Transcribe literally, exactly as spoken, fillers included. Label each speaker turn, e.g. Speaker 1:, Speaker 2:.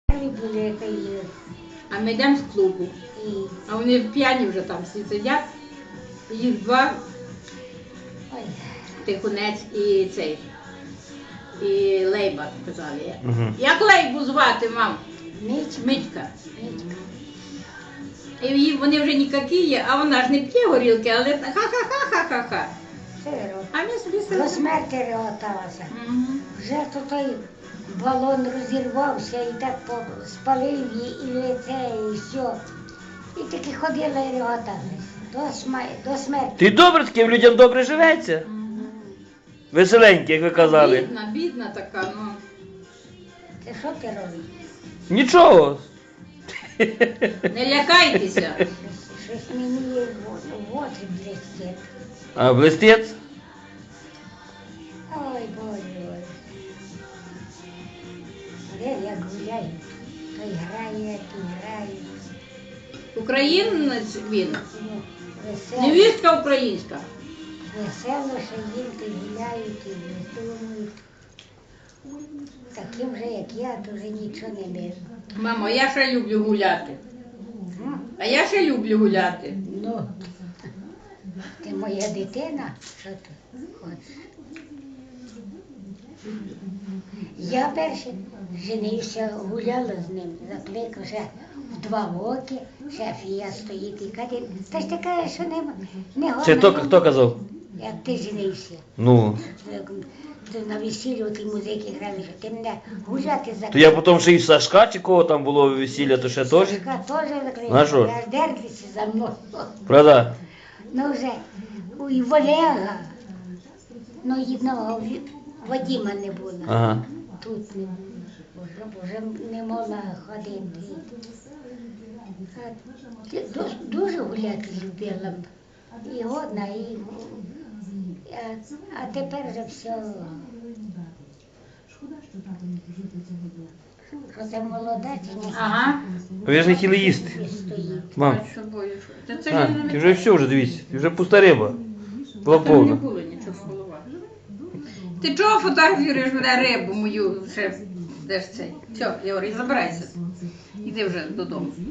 Speaker 1: Були, та й,
Speaker 2: А ми йдемо з клубу.
Speaker 1: і,
Speaker 2: А вони п'яні вже там всі сидять. Їх два,
Speaker 1: ой,
Speaker 2: Тихонець і цей. І Лейба, казали я.
Speaker 3: Мгм.
Speaker 2: Як Лейбу звати, мам?
Speaker 1: Мить,
Speaker 2: Митька.
Speaker 1: Митька.
Speaker 2: І їй- вони вже ніякі є, а вона ж не п'є горілки, але ха-ха-ха-ха-ха-ха.
Speaker 1: Все робить.
Speaker 2: А ми собі
Speaker 1: До
Speaker 2: сидимо.
Speaker 1: смерті реготалася.
Speaker 2: Мгм.
Speaker 1: Вже то той балон розірвався і так по- спалив її і лице, і все. І таки ходила і реготалася. До, сма- до смерті.
Speaker 3: Ти добре таким людям добре живеться? Веселенькі, як ви казали.
Speaker 2: Бідна, бідна така, ну.
Speaker 1: Це що ти робиш?
Speaker 3: Нічого.
Speaker 2: Не лякайтеся.
Speaker 1: Щось, щось мені в, в очі блестить.
Speaker 3: А блистець?
Speaker 1: Ой, Боже, Боже. Де як гуляють, то й грає, то й грає.
Speaker 2: Українець він.
Speaker 1: Ну, весело,
Speaker 2: Невістка українська.
Speaker 1: весело, що їм то й гуляють, і думають. Таким же, як я, то вже нічого не беру.
Speaker 2: Мамо, я ще люблю гуляти. А я ще люблю гуляти.
Speaker 1: Ну, ти моя дитина, що ти хочеш? Я перше женився, гуляла з ним, закликав ще в два роки, ще фія стоїть і каже, та ж ти кажеш, що не, не
Speaker 3: Це хто,
Speaker 1: годна,
Speaker 3: хто казав?
Speaker 1: як ти женився.
Speaker 3: Ну.
Speaker 1: Ти на весіллю ті музики грали, що ти мене гуляти закликав.
Speaker 3: То я потім ще і Сашка, чи кого там було весілля, то ще теж?
Speaker 1: Сашка теж
Speaker 3: Ну, а
Speaker 1: закликав,
Speaker 3: що?
Speaker 1: я ж дертися за мною.
Speaker 3: Правда?
Speaker 1: Ну вже, і в Олега, ну одного Вадима не було.
Speaker 3: Ага.
Speaker 1: Тут не було, вже, вже не могла ходити. А ти дуже, дуже гуляти любила. І годна, і... А, а тепер вже все... Що це молода чи ні?
Speaker 2: Ага.
Speaker 3: Ви ж не хотіли їсти.
Speaker 1: Стоїть.
Speaker 3: Мам,
Speaker 2: З собою. Та це
Speaker 3: а,
Speaker 2: ж не
Speaker 3: ти вже все вже дивись, ти вже пуста риба. Була
Speaker 2: Там не
Speaker 3: повна.
Speaker 2: було нічого в головах. Ти чого фотографуєш мене рибу мою ще? Де ж цей? Все, Єврій, забирайся. Іди вже додому.